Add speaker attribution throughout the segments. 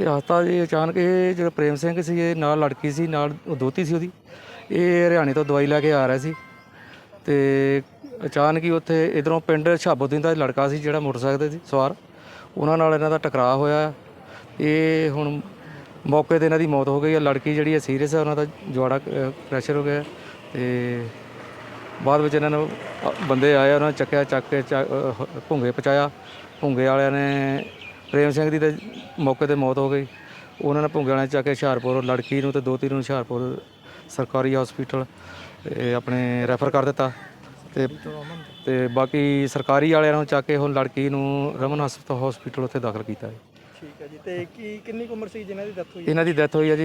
Speaker 1: ਇਹ ਹਾਦਸਾ ਜੀ ਅਚਾਨਕ ਇਹ ਜਿਹੜਾ ਪ੍ਰੇਮ ਸਿੰਘ ਸੀ ਇਹ ਨਾਲ ਲੜਕੀ ਸੀ ਨਾਲ ਉਹ ਦੋਹਤੀ ਸੀ ਉਹਦੀ। ਇਹ ਹਰਿਆਣੇ ਤੋਂ ਦਵਾਈ ਲੈ ਕੇ ਆ ਰਿਹਾ ਸੀ ਤੇ ਅਚਾਨਕ ਹੀ ਉੱਥੇ ਇੱਧਰੋਂ ਪਿੰਡ ਸ਼ਹਾਬੂਦੀਨ ਦਾ ਲੜਕਾ ਸੀ ਜਿਹੜਾ ਮੋਟਰਸਾਈਕਲ 'ਤੇ ਸੀ ਸਵਾਰ, ਉਹਨਾਂ ਨਾਲ ਇਹਨਾਂ ਦਾ ਟਕਰਾਅ ਹੋਇਆ। ਇਹ ਹੁਣ ਮੌਕੇ 'ਤੇ ਇਹਨਾਂ ਦੀ ਮੌਤ ਹੋ ਗਈ ਹੈ। ਲੜਕੀ ਜਿਹੜੀ ਹੈ ਸੀਰੀਅਸ ਹੈ, ਉਹਨਾਂ ਦਾ ਜਵਾੜਾ ਪ੍ਰੈਸ਼ਰ ਹੋ ਗਿਆ ਤੇ ਬਾਅਦ ਵਿੱਚ ਇਹਨਾਂ ਨੂੰ ਬੰਦੇ ਆਏ, ਉਹਨਾਂ ਨੇ ਚੱਕ ਕੇ ਭੁੰਗੇ ਪਹੁੰਚਾਇਆ। ਭੁੰਗੇ ਵਾਲਿਆਂ ਨੇ ਪ੍ਰੇਮ ਸਿੰਘ ਦੀ ਤਾਂ ਮੌਕੇ 'ਤੇ ਮੌਤ ਹੋ ਗਈ। ਉਹਨਾਂ ਨੇ ਭੁੰਗੇ ਵਾਲਿਆਂ ਨੇ ਚੱਕ ਕੇ ਹੁਸ਼ਿਆਰਪੁਰ ਲੜਕੀ ਨੂੰ ਤੇ ਦੋਹਤੀ ਨੂੰ ਹੁਸ਼ਿਆਰਪੁਰ ਸਰਕਾਰੀ ਹਸਪੀਟਲ ਆਪਣੇ ਰੈਫਰ ਕਰ ਦਿੱਤਾ ਤੇ ਬਾਕੀ ਸਰਕਾਰੀ ਵਾਲਿਆਂ ਨੂੰ ਚੱਕ ਕੇ ਹੁਣ ਲੜਕੀ ਨੂੰ ਰਮਨ ਹਸਪੀਟਲ ਉੱਥੇ ਦਾਖਲ ਕੀਤਾ ਹੈ।
Speaker 2: ਠੀਕ ਹੈ ਜੀ। ਤੇ ਕਿੰਨੀ ਕੁ ਉਮਰ ਸੀ ਜਿਨ੍ਹਾਂ ਦੀ ਡੈਥ ਹੋਈ?
Speaker 1: ਇਹਨਾਂ ਦੀ ਡੈਥ ਹੋਈ ਹੈ ਜੀ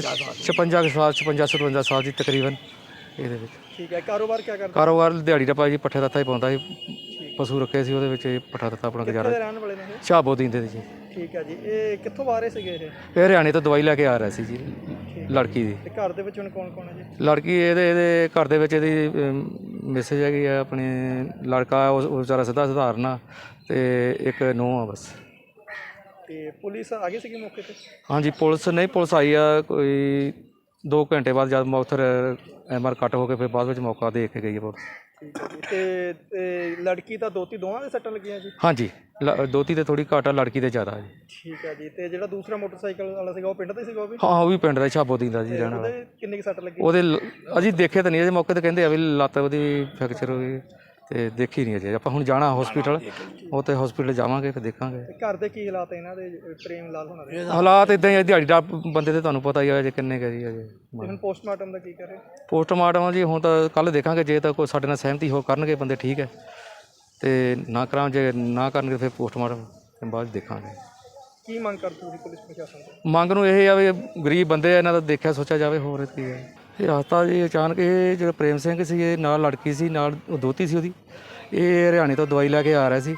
Speaker 1: 56 ਸਾਲ ਦੀ ਤਕਰੀਬਨ ਇਹਦੇ ਵਿੱਚ।
Speaker 2: ਠੀਕ ਹੈ। ਕਾਰੋਬਾਰ ਕੀ ਕਰਦਾ?
Speaker 1: ਕਾਰੋਬਾਰ ਦਿਹਾੜੀ ਦਾ ਭਾਈ ਜੀ ਪੱਠੇ ਦੱਥਾ ਹੀ ਪਾਉਂਦਾ ਸੀ, ਪਸ਼ੂ ਰੱਖੇ ਸੀ ਉਹਦੇ ਵਿੱਚ ਪੱਠਾ ਦੱਥਾ ਆਪਣਾ ਗੁਜ਼ਾਰਾ।
Speaker 2: ਕਿੱਥੇ ਦੇ ਰਹਿਣ ਵਾਲੇ ਨੇ ਇਹ?
Speaker 1: ਸ਼ਹਾਬੂਦੀਨ ਦੇ ਜੀ।
Speaker 2: ਠੀਕ ਹੈ ਜੀ। ਇਹ ਕਿੱਥੋਂ ਆ ਰਹੇ ਸੀਗੇ ਇਹ?
Speaker 1: ਇਹ ਹਰਿਆਣੇ ਤੋਂ ਦਵਾਈ ਲੈ ਕੇ ਆ ਰਿਹਾ ਸੀ ਜੀ ਲੜਕੀ ਦੀ।
Speaker 2: ਤੇ ਘਰ ਦੇ ਵਿੱਚ ਹੁਣ ਕੌਣ ਕੌਣ ਹੈ ਜੀ?
Speaker 1: ਲੜਕੀ ਇਹਦੇ ਘਰ ਦੇ ਵਿੱਚ ਇਹਦੀ ਮੈਸੇਜ ਹੈਗੀ ਆ, ਆਪਣੇ ਲੜਕਾ ਉਹ ਵਿਚਾਰਾ ਸਧਾਰਨ ਆ ਤੇ ਇੱਕ ਨੂੰਹ ਆ ਬਸ।
Speaker 2: ਤੇ ਪੁਲਿਸ ਆ ਗਈ ਸੀਗੀ ਮੌਕੇ ਤੇ?
Speaker 1: ਹਾਂਜੀ ਪੁਲਿਸ ਆਈ ਆ ਕੋਈ 2 ਘੰਟੇ ਬਾਅਦ, ਜਦ ਉੱਥੇ ਐਮਆਰ ਕੱਟ ਹੋ ਕੇ ਫਿਰ ਬਾਅਦ ਵਿੱਚ ਮੌਕਾ ਦੇਖ ਕੇ ਗਈ ਹੈ ਪੁਲਿਸ।
Speaker 2: ਠੀਕ ਹੈ ਜੀ। ਤੇ ਲੜਕੀ ਤਾਂ ਦੋਤੀ ਦੋਵਾਂ ਦੇ ਸੱਟਾਂ ਲੱਗੀਆਂ ਜੀ?
Speaker 1: ਹਾਂਜੀ ਦੋਤੀ ਤੇ ਥੋੜੀ ਘੱਟ ਆ, ਲੜਕੀ ਤੇ ਜ਼ਿਆਦਾ ਜੀ।
Speaker 2: ਠੀਕ ਹੈ ਜੀ। ਤੇ ਜਿਹੜਾ ਦੂਸਰਾ ਮੋਟਰਸਾਈਕਲ ਵਾਲਾ ਸੀਗਾ ਉਹ ਪਿੰਡ ਦਾ ਸੀਗਾ ਉਹ ਵੀ?
Speaker 1: ਹਾਂ ਉਹ ਵੀ ਪਿੰਡ ਦਾ ਸ਼ਹਾਬੂਦੀਨ ਦਾ ਜੀ ਰਹਿਣ ਵਾਲਾ।
Speaker 2: ਉਹਦੇ ਕਿੰਨੀ ਕੁ ਸੱਟ ਲੱਗੀ?
Speaker 1: ਉਹਦੇ ਅਜੇ ਦੇਖੇ ਤਾਂ ਨਹੀਂ, ਅਜੇ ਮੌਕੇ ਤੇ ਕਹਿੰਦੇ ਆ ਵੀ ਲੱਤ ਉਹਦੀ ਫ੍ਰੈਕਚਰ ਹੋ ਗਈ ਤੇ ਦੇਖੀ ਨਹੀਂ ਅਜੇ। ਆਪਾਂ ਹੁਣ ਜਾਣਾ ਹਸਪੀਟਲ, ਉਹ ਤੇ ਹਸਪੀਟਲ ਜਾਵਾਂਗੇ ਫਿਰ ਦੇਖਾਂਗੇ।
Speaker 2: ਤੇ ਘਰ ਦੇ ਕੀ ਹਾਲਾਤ ਇਹਨਾਂ ਦੇ ਪ੍ਰੇਮ ਲਾਲ ਹੋਣਾ ਦੇ?
Speaker 1: ਹਾਲਾਤ ਇਦਾਂ ਹੀ ਦਿਹਾੜੀ ਦਾ ਬੰਦੇ ਤੇ ਤੁਹਾਨੂੰ ਪਤਾ ਹੀ ਆ ਅਜੇ ਕਿੰਨੇ ਕੁ ਜੀ ਅਜੇ।
Speaker 2: ਹੁਣ ਪੋਸਟਮਾਰਟਮ ਦਾ ਕੀ ਕਰੇ?
Speaker 1: ਪੋਸਟਮਾਰਟਮ ਜੀ ਹੁਣ ਤਾਂ ਕੱਲ੍ਹ ਦੇਖਾਂਗੇ, ਜੇ ਤਾਂ ਕੋਈ ਸਾਡੇ ਨਾਲ ਸਹਿਮਤੀ ਹੋ ਕਰਨਗੇ ਬੰਦੇ ਠੀਕ ਹੈ, ਤੇ ਨਾ ਕਰਾਂ ਜੇ ਨਾ ਕਰਨਗੇ ਫਿਰ ਪੋਸਟਮਾਰਟਮ ਬਾਅਦ ਦੇਖਾਂਗੇ।
Speaker 2: ਕੀ ਮੰਗ ਕਰਦੇ ਤੁਸੀਂ ਪੁਲਿਸ ਪ੍ਰਸ਼ਾਸਨ ਤੋਂ?
Speaker 1: ਮੰਗ ਨੂੰ ਇਹ ਆ ਵੀ ਗਰੀਬ ਬੰਦੇ ਆ, ਇਹਨਾਂ ਦਾ ਦੇਖਿਆ ਸੋਚਿਆ ਜਾਵੇ, ਹੋਰ ਕੀ ਹੈ। ਇਹ ਹਾਦਸਾ ਜੀ ਅਚਾਨਕ ਇਹ ਜਿਹੜਾ ਪ੍ਰੇਮ ਸਿੰਘ ਸੀ ਇਹ ਨਾਲ ਲੜਕੀ ਸੀ ਨਾਲ ਉਹ ਦੋਹਤੀ ਸੀ ਉਹਦੀ। ਇਹ ਹਰਿਆਣੇ ਤੋਂ ਦਵਾਈ ਲੈ ਕੇ ਆ ਰਿਹਾ ਸੀ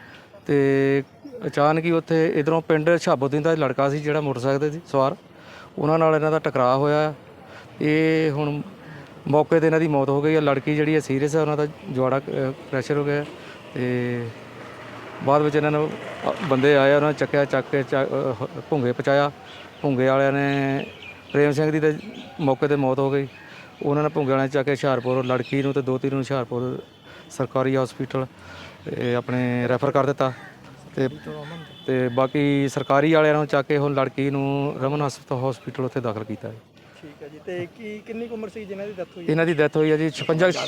Speaker 1: ਤੇ ਅਚਾਨਕ ਹੀ ਉੱਥੇ ਇੱਧਰੋਂ ਪਿੰਡ ਸ਼ਹਾਬੂਦੀਨ ਦਾ ਲੜਕਾ ਸੀ ਜਿਹੜਾ ਮੋਟਰਸਾਈਕਲ 'ਤੇ ਸੀ ਸਵਾਰ, ਉਹਨਾਂ ਨਾਲ ਇਹਨਾਂ ਦਾ ਟਕਰਾਅ ਹੋਇਆ। ਇਹ ਹੁਣ ਮੌਕੇ 'ਤੇ ਇਹਨਾਂ ਦੀ ਮੌਤ ਹੋ ਗਈ ਹੈ। ਲੜਕੀ ਜਿਹੜੀ ਹੈ ਸੀਰੀਅਸ ਹੈ, ਉਹਨਾਂ ਦਾ ਜਵਾੜਾ ਪ੍ਰੈਸ਼ਰ ਹੋ ਗਿਆ ਤੇ ਬਾਅਦ ਵਿੱਚ ਇਹਨਾਂ ਨੂੰ ਬੰਦੇ ਆਏ, ਉਹਨਾਂ ਨੇ ਚੱਕ ਕੇ ਭੁੰਗੇ ਪਹੁੰਚਾਇਆ। ਭੁੰਗੇ ਵਾਲਿਆਂ ਨੇ ਪ੍ਰੇਮ ਸਿੰਘ ਦੀ ਤਾਂ ਮੌਕੇ ਤੇ ਮੌਤ ਹੋ ਗਈ। ਉਹਨਾਂ ਨੇ ਭੁੰਗੇ ਵਾਲਿਆਂ ਨੇ ਚੱਕ ਕੇ ਹੁਸ਼ਿਆਰਪੁਰ ਲੜਕੀ ਨੂੰ ਤੇ ਦੋਹਤੀ ਨੂੰ ਹੁਸ਼ਿਆਰਪੁਰ ਸਰਕਾਰੀ ਹਸਪੀਟਲ ਆਪਣੇ ਰੈਫਰ ਕਰ ਦਿੱਤਾ ਤੇ ਬਾਕੀ ਸਰਕਾਰੀ ਵਾਲਿਆਂ ਨੂੰ ਚੱਕ ਕੇ ਹੁਣ ਲੜਕੀ ਨੂੰ ਰਮਨ ਹਸਪੀਟਲ ਉੱਥੇ ਦਾਖਲ ਕੀਤਾ ਹੈ।
Speaker 2: ਠੀਕ ਹੈ ਜੀ। ਤੇ ਕਿੰਨੀ ਕੁ ਉਮਰ ਸੀ ਜਿਨ੍ਹਾਂ ਦੀ ਡੈਥ ਹੋਈ?
Speaker 1: ਇਹਨਾਂ ਦੀ ਡੈਥ ਹੋਈ ਹੈ ਜੀ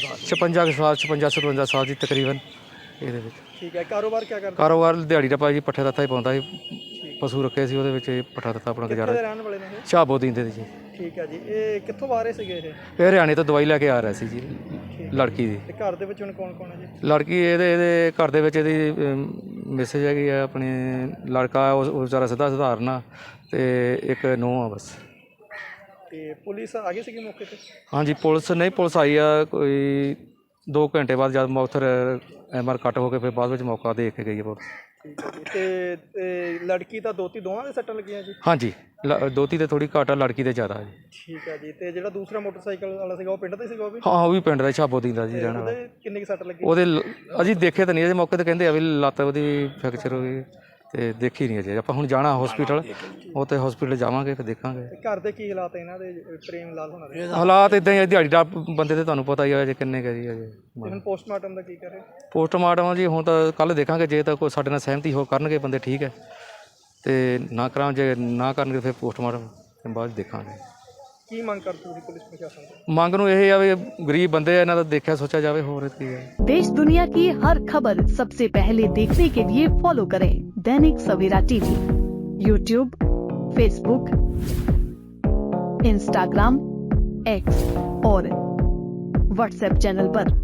Speaker 1: 56 ਸਾਲ ਦੀ ਤਕਰੀਬਨ ਇਹਦੇ ਵਿੱਚ।
Speaker 2: ਠੀਕ ਹੈ। ਕਾਰੋਬਾਰ ਕੀ ਕਰਦਾ?
Speaker 1: ਕਾਰੋਬਾਰ ਦਿਹਾੜੀ ਦਾ ਭਾਈ ਜੀ ਪੱਠੇ ਦੱਥਾ ਹੀ ਪਾਉਂਦਾ ਸੀ, ਪਸ਼ੂ ਰੱਖੇ ਸੀ ਉਹਦੇ ਵਿੱਚ ਪੱਠਾ ਦੱਥਾ ਆਪਣਾ ਗੁਜ਼ਾਰਾ।
Speaker 2: ਕਿੱਥੇ ਦੇ ਰਹਿਣ ਵਾਲੇ ਨੇ ਇਹ?
Speaker 1: ਸ਼ਹਾਬੂਦੀਨ ਦੇ ਜੀ।
Speaker 2: ਠੀਕ ਹੈ ਜੀ। ਇਹ ਕਿੱਥੋਂ ਆ ਰਹੇ ਸੀਗੇ ਇਹ?
Speaker 1: ਇਹ ਹਰਿਆਣੇ ਤੋਂ ਦਵਾਈ ਲੈ ਕੇ ਆ ਰਿਹਾ ਸੀ ਜੀ ਲੜਕੀ ਦੀ।
Speaker 2: ਤੇ ਘਰ ਦੇ ਵਿੱਚ ਹੁਣ ਕੌਣ ਕੌਣ ਹੈ ਜੀ?
Speaker 1: ਲੜਕੀ ਇਹਦੇ ਘਰ ਦੇ ਵਿੱਚ ਇਹਦੀ ਮੈਸੇਜ ਹੈਗੀ ਆ, ਆਪਣੇ ਲੜਕਾ ਉਹ ਵਿਚਾਰਾ ਸਧਾਰਨ ਆ ਤੇ ਇੱਕ ਨੂੰਹ ਆ ਬਸ।
Speaker 2: ਤੇ ਪੁਲਿਸ ਆ ਗਈ ਸੀਗੀ ਮੌਕੇ ਤੇ? ਹਾਂਜੀ
Speaker 1: ਪੁਲਿਸ ਆਈ ਆ ਕੋਈ 2 ਘੰਟੇ ਬਾਅਦ, ਜਦ ਉੱਥੇ ਐਮਆਰ ਕੱਟ ਹੋ ਕੇ ਫਿਰ ਬਾਅਦ ਵਿੱਚ ਮੌਕਾ ਦੇਖ ਕੇ ਗਈ ਹੈ ਪੁਲਿਸ।
Speaker 2: ਠੀਕ ਹੈ ਜੀ। ਤੇ ਲੜਕੀ ਤਾਂ ਦੋਤੀ ਦੋਵਾਂ ਦੇ ਸੱਟਾਂ ਲੱਗੀਆਂ ਜੀ?
Speaker 1: ਹਾਂਜੀ ਦੋਤੀ ਤੇ ਥੋੜੀ ਘੱਟ ਆ, ਲੜਕੀ ਤੇ ਜ਼ਿਆਦਾ ਜੀ।
Speaker 2: ਠੀਕ ਹੈ ਜੀ। ਤੇ ਜਿਹੜਾ ਦੂਸਰਾ ਮੋਟਰਸਾਈਕਲ ਵਾਲਾ ਸੀਗਾ ਉਹ ਪਿੰਡ ਦਾ ਸੀਗਾ ਉਹ ਵੀ?
Speaker 1: ਹਾਂ ਉਹ ਵੀ ਪਿੰਡ ਦਾ ਸ਼ਹਾਬੂਦੀਨ ਦਾ ਜੀ ਰਹਿਣ ਵਾਲਾ।
Speaker 2: ਉਹਦੇ ਕਿੰਨੀ ਕੁ ਸੱਟ ਲੱਗੀ?
Speaker 1: ਉਹਦੇ ਅਜੇ ਦੇਖੇ ਤਾਂ ਨਹੀਂ, ਅਜੇ ਮੌਕੇ ਤੇ ਕਹਿੰਦੇ ਆ ਵੀ ਲੱਤ ਉਹਦੀ ਫ੍ਰੈਕਚਰ ਹੋ ਗਈ ਤੇ ਦੇਖੀ ਨਹੀਂ ਅਜੇ। ਆਪਾਂ ਹੁਣ ਜਾਣਾ ਹਸਪੀਟਲ, ਉਹ ਤੇ ਹਸਪੀਟਲ ਜਾਵਾਂਗੇ ਫਿਰ ਦੇਖਾਂਗੇ।
Speaker 2: ਤੇ ਘਰ ਦੇ ਕੀ ਹਾਲਾਤ ਇਹਨਾਂ ਦੇ ਪ੍ਰੇਮ ਲਾਲ ਹੋਣਾ ਦੇ?
Speaker 1: ਹਾਲਾਤ ਇਦਾਂ ਹੀ ਦਿਹਾੜੀ ਦਾ ਬੰਦੇ ਤੇ ਤੁਹਾਨੂੰ ਪਤਾ ਹੀ ਆ ਅਜੇ ਕਿੰਨੇ ਕੁ ਜੀ ਅਜੇ।
Speaker 2: ਹੁਣ ਪੋਸਟਮਾਰਟਮ ਦਾ ਕੀ ਕਰੇ?
Speaker 1: ਪੋਸਟਮਾਰਟਮ ਜੀ ਹੁਣ ਤਾਂ ਕੱਲ੍ਹ ਦੇਖਾਂਗੇ, ਜੇ ਤਾਂ ਕੋਈ ਸਾਡੇ ਨਾਲ ਸਹਿਮਤੀ ਹੋ ਕਰਨਗੇ ਬੰਦੇ ਠੀਕ ਹੈ, ਤੇ ਨਾ ਕਰਾਂ ਜੇ ਨਾ ਕਰਨਗੇ ਫਿਰ ਪੋਸਟਮਾਰਟਮ ਬਾਅਦ ਦੇਖਾਂਗੇ।
Speaker 2: ਕੀ ਮੰਗ ਕਰਦੇ ਤੁਸੀਂ ਪੁਲਿਸ ਪ੍ਰਸ਼ਾਸਨ ਤੋਂ?
Speaker 1: ਮੰਗ ਨੂੰ ਇਹ ਆ ਵੀ ਗਰੀਬ ਬੰਦੇ ਆ, ਇਹਨਾਂ ਦਾ ਦੇਖਿਆ ਸੋਚਿਆ ਜਾਵੇ, ਹੋਰ ਕੀ ਹੈ।
Speaker 3: देश दुनिया की हर खबर सबसे पहले देखने के लिए फॉलो करें Dainik Savera TV, YouTube, Facebook, Instagram, X और व्हाट्सएप चैनल पर।